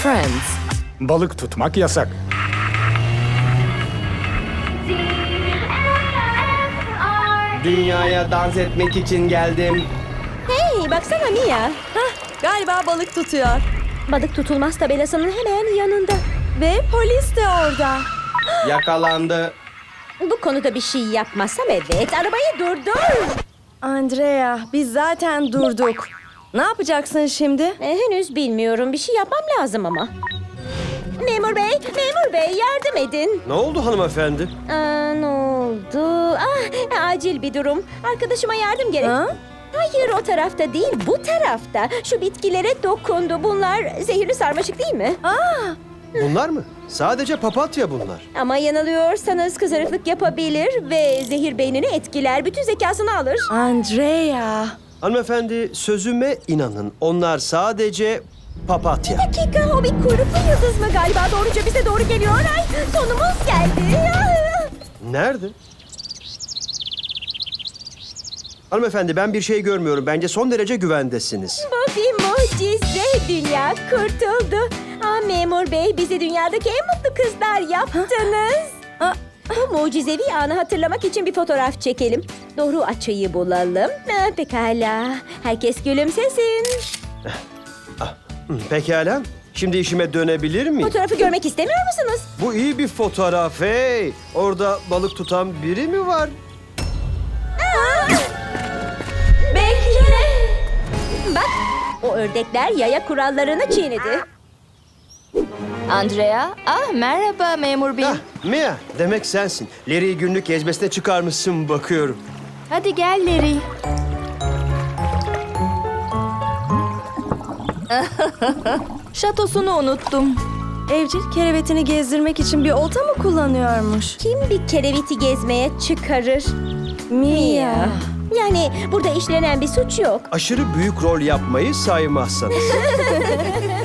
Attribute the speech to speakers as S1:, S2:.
S1: Friends.
S2: Balık tutmak yasak.
S3: Dünyaya dans etmek için geldim.
S4: Hey baksana Mia.
S5: Galiba balık tutuyor.
S4: Balık tutulmaz tabelasının hemen yanında.
S5: Ve polis de orada.
S3: Yakalandı.
S4: Bu konuda bir şey yapmazsam evet. Arabayı durdur.
S5: Andrea, biz zaten durduk. Ne yapacaksın şimdi?
S4: Henüz bilmiyorum. Bir şey yapmam lazım ama. Memur bey yardım edin.
S6: Ne oldu hanımefendi?
S4: Ne oldu? Acil bir durum. Arkadaşıma yardım gerek.
S5: Ha?
S4: Hayır o tarafta değil bu tarafta. Şu bitkilere dokundu. Bunlar zehirli sarmaşık değil mi?
S6: Bunlar mı? Sadece papatya bunlar.
S4: Ama yanılıyorsanız kızarıklık yapabilir ve zehir beynini etkiler. Bütün zekasını alır.
S5: Andrea.
S6: Hanımefendi sözüme inanın. Onlar sadece papatya.
S4: Dakika o bir kuyruklu yıldız mı galiba? Doğruca bize doğru geliyor. Ay sonumuz geldi.
S6: Nerede? Hanımefendi ben bir şey görmüyorum. Bence son derece güvendesiniz.
S4: Bu bir mucize. Dünya kurtuldu. Memur bey bizi dünyadaki en mutlu kızlar yaptınız. Bu mucizevi anı hatırlamak için bir fotoğraf çekelim. Doğru açıyı bulalım. Pekala. Herkes gülümsesin.
S6: Pekala. Şimdi işime dönebilir miyim?
S4: Fotoğrafı görmek istemiyor musunuz?
S6: Bu iyi bir fotoğraf hey. Orada balık tutan biri mi var?
S4: Bekle. Bak o ördekler yaya kurallarını çiğnedi.
S5: Andrea. Merhaba memur bey.
S6: Mia demek sensin. Larry'i günlük gezmesine çıkarmışsın bakıyorum.
S5: Hadi gel Larry. Şatosunu unuttum. Evcil kerevetini gezdirmek için bir olta mı kullanıyormuş?
S4: Kim bir kereviti gezmeye çıkarır?
S5: Mia.
S4: Yani burada işlenen bir suç yok.
S6: Aşırı büyük rol yapmayı saymazsanız.